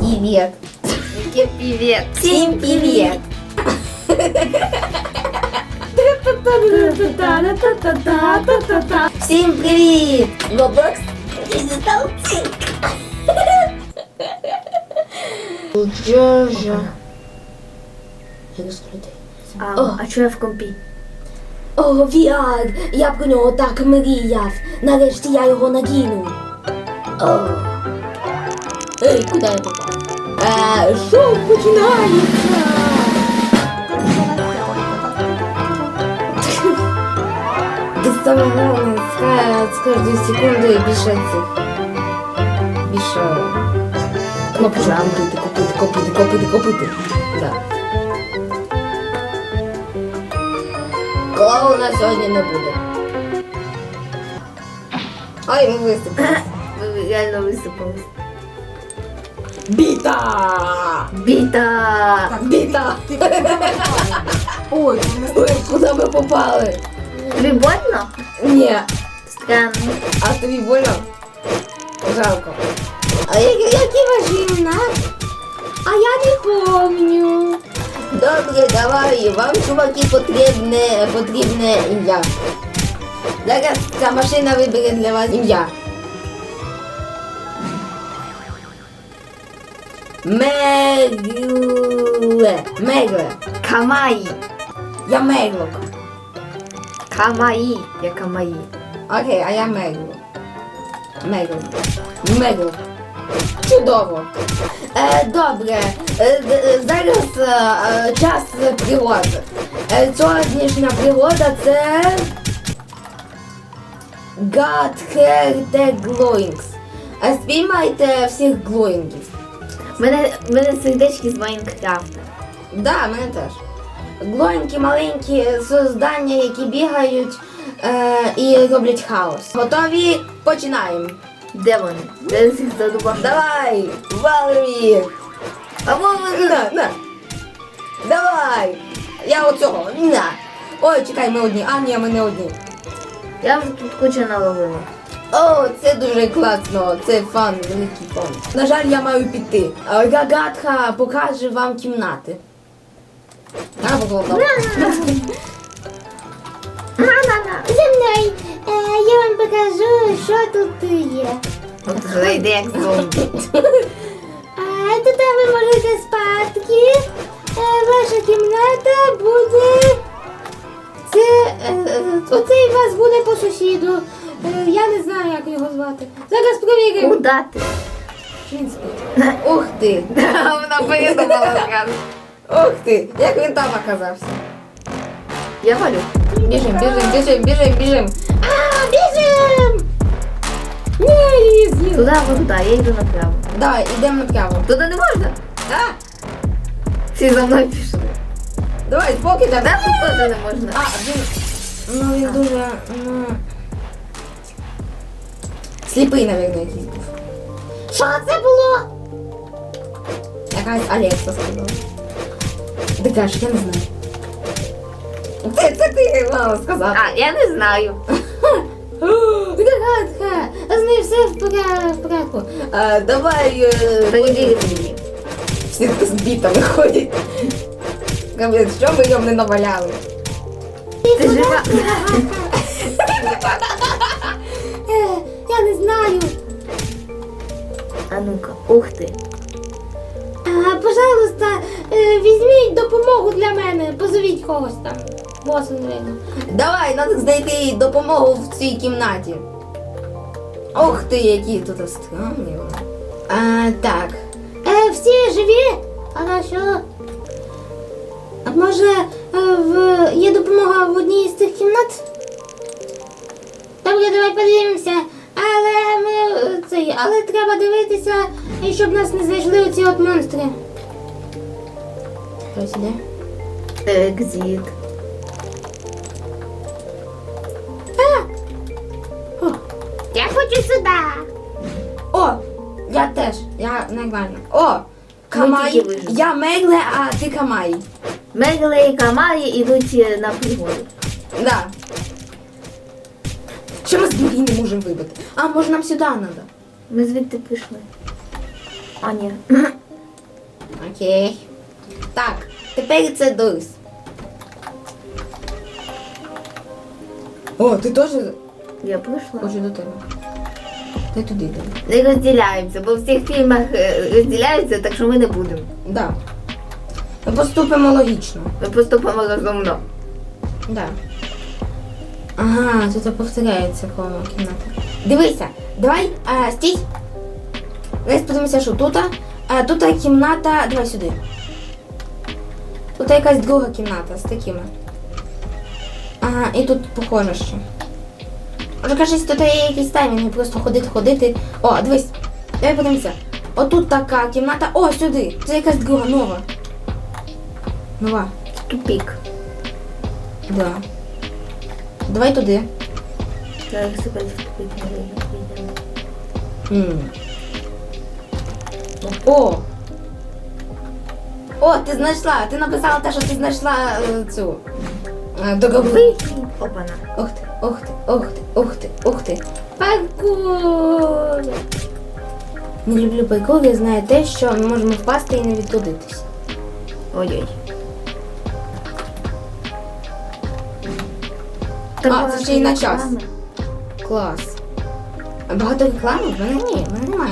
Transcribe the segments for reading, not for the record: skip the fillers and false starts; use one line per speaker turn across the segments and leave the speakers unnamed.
привет.
Який привіт.
Всем привет. Всем привет. Roblox. Джорджа.
А чого я в компі?
О, VR! Я про нього так мріяв. Нарешті я його надіну. О. Ей, куди я попав? Шоу починається! Ти саме головне, з кожною секундою більше цих. Більше кнопочок копити. Да. Клоуна сьогодні не буде. Ой, ми виступили.
Ви реально висипались.
Біта!
Біта!
Біта! Ой, куди ми попали?
Тобі больно?
Ні.
Странно.
А тобі больно? Жалко. А які ваші імена? А я не помню. Добре, давай, вам, чуваки, потрібне ім'я. Зараз ця машина вибере для вас ім'я. Мегле.
Камаї.
Я Меглок.
Камаї. Я камаї.
Окей, а я Меглок. Меглок. Чудово. Добре. Зараз час пригод. Сьогоднішня пригода це God Hair the Glowings. Спіймайте всіх глоїнгів.
Мене сердечки з Майнкрафта.
Да, мене теж. Глоїнки маленькі создання, які бігають і роблять хаос. Готові? Починаємо.
Де вони? Де їх задубав?
Давай, Валерій!
А вони...
На. Давай! Я оцього, на! Ой, чекай, ми одні. А, ні, ми не одні.
Я вже тут кучу наловила.
О, це дуже класно, це фан, великий фан. На жаль, я маю піти. Гагатха покаже вам кімнати. На, поклопав.
За мною. Я вам покажу, що тут є.
От зайди як зомбі.
Тут ви можете спати. Ваша кімната буде... Оцей у вас буде по сусіду. Я не знаю, як його звати. Зараз провіримо.
Куда ти?
Він спить. Ух ти!
Вона придумала зразу.
Ух ти! Як він там оказався?
Я валю.
Біжим.
Біжим! Ні, її з'їли.
Туди або туди, я йду направо.
Давай, йдемо направо.
Туди не можна?
А!
Всі за мною пішли.
Давай, поки
Де
давай.
тут теж не можна?
А, він дуже, сліпий, мабуть, якийсь був.
Що це було?
Якась Алекса сказала. Ти кажеш, я не знаю. Це ти мала сказати.
А, я не знаю.
Гагатха, з нею все в порядку.
Давай,
Перевірити її.
всі з бітами ходять. Капець, що ми йому не наваляли?
Ти жива?
Я не знаю.
А ну-ка, ух ти.
Пожалуйста, візьміть допомогу для мене. Позовіть когось там. Боса, навіть.
Давай, треба знайти допомогу в цій кімнаті. Ох ти, які тут странні вони. Так.
Всі живі? Хорошо. А може є допомога в одній з цих кімнат? Добре, давай подивимося. Але треба дивитися, щоб нас не знайшли оці от монстри.
Хтось іде?
Екзит.
Я хочу сюди.
О, я теж. Я нормально. О,
тільки
Камай.
вижили.
Я Мегле, а ти Камай.
Мегле і Камаї йдуть на пригоду.
Да. Що ми з двері не можемо вибити? А, може нам сюди треба?
Ми звідти пішли. А, ні.
Окей. Так, тепер це Дорис. О, ти теж
Я прийшла.
хочу до тебе. Ти туди йди.
Не розділяємося, бо в всіх фільмах розділяються, так що ми не будемо.
Да. Ми поступимо логічно.
Ми поступимо розумно.
Да. Ага, тут повторяється коло кімната. Дивися, давай, стій. Давай подивимося, що тут. Тут кімната. Давай сюди. Тут якась друга кімната з такими. Ага, і тут похоже ще. Може, кажуть, тут є якісь таймінги, просто ходити. О, дивись. Давай подивимося. Отут така кімната. О, сюди. Це якась друга, нова. Нова.
Тупік.
Да. Давай туди.
Зараз себе в тупік не вийдемо.
О! О, ти знайшла! Ти написала те, що ти знайшла цю договор.
Опана.
Ух ти, ух ти, ух ти, ух ти, ух ти. Паркур! Не люблю паркур, я знаю те, що ми можемо впасти і не відродитись.
Ой-ой.
Це ще й на час. Клас. А багато реклами? В мене ні, в мене немає.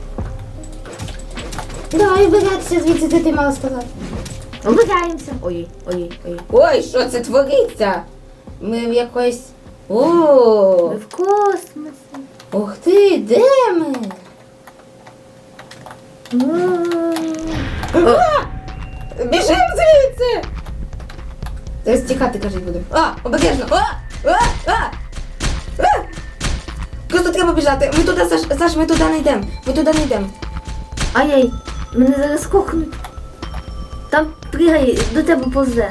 Давай вибиратися звідси, ти мала сказати.
Вибираємося. Ой-ой.
Ой, що це твориться? Ми в якоїсь... О!
Ми в космосі.
Ух ти, де ми? Біжим звідси! Зараз тікати, кажуть, будемо. Обережно! Просто треба біжати. Ми туди, Саш, ми туди не йдемо. Ми туди не йдемо.
Ай-яй, мене зараз кохнуть. Там пригай, до тебе повзе.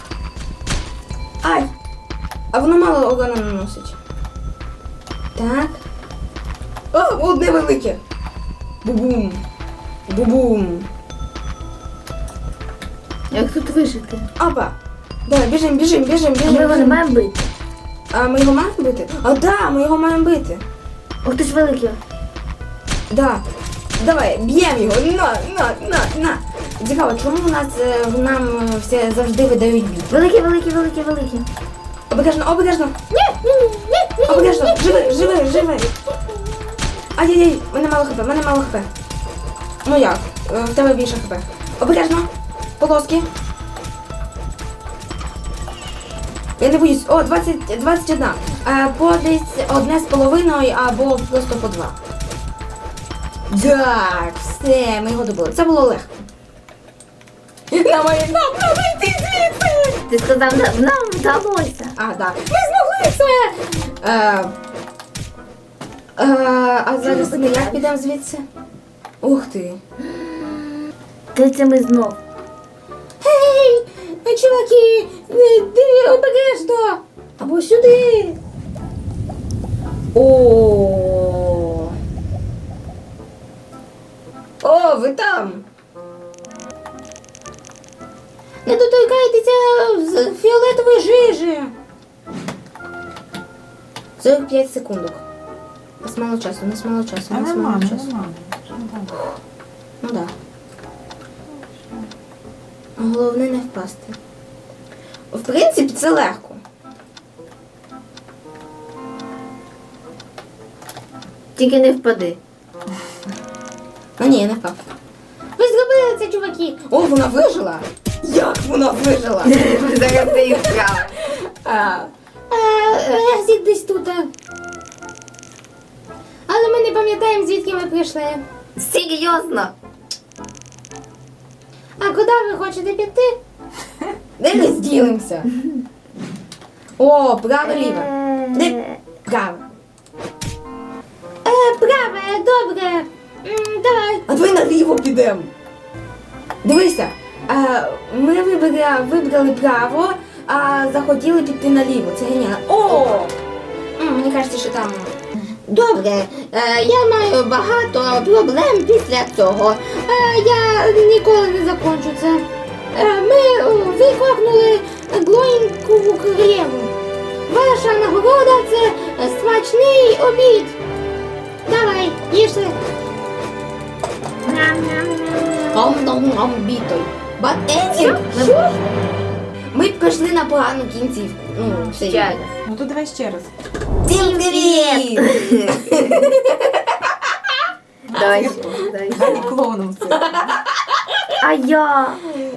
Ай! А воно мало урона наносить. Так. О, одне велике. Бу-бум. Бу-бум.
Як тут вижити?
Опа. Давай, біжим.
А ми його не маємо бити.
А ми його маємо бити? Да, ми його маємо бити.
Ох ти ж великий.
Да. Давай, б'ємо його. На. Цікаво, чому у нас нам все завжди видають бій?
Великий.
Обережно. Обережно. Живи. Ай-яй-яй, мене мало хп. Ну як? В тебе більше хп. Обережно. Полоски. Я не боюсь. О, 21. По десь 1,5 або просто по 2. Так, все, ми його добили. Це було легко. Нам йти звідси!
Ти сказав, нам вдалося.
Да. Ми змогли це! А зараз ми як підемо звідси? Ух ти.
Де це ми знов?
Гей, чуваки, обережно. Або сюди.
О, ви там!
Не доторкайтеся з фіолетової жижі.
45 секундок. У нас мало часу. Ну да. Головне не впасти. В принципі, це легко.
Тільки не впади.
Ні, я не впав.
Ви зробили це, чуваки.
О, вона вижила! Як вона вижила?
Зараз ти їх справа.
Ексіт десь тут. Але ми не пам'ятаємо, звідки ми прийшли.
Серйозно?
А куди ви хочете піти?
Де ми зділимося? О, право-ліво. Де? Право.
Праве, добре. Давай.
А давай наліво підемо. Дивися, ми вибрали право, а захотіли піти наліво. Це геніально. О! Мені кажеться, що там.
Добре, я маю багато проблем після цього. Я ніколи не закончу це. Ми викохнули Глоїнкову королеву. Ваша нагорода – це смачний обід. Давай, їжте.
Гамбітой. Bad ending? Ми б пішли на погану кінцівку. Ну, все
Ще раз.
Ну то давай ще раз.
Всім привіт!
Давай.
Давай клоуном це.
А я.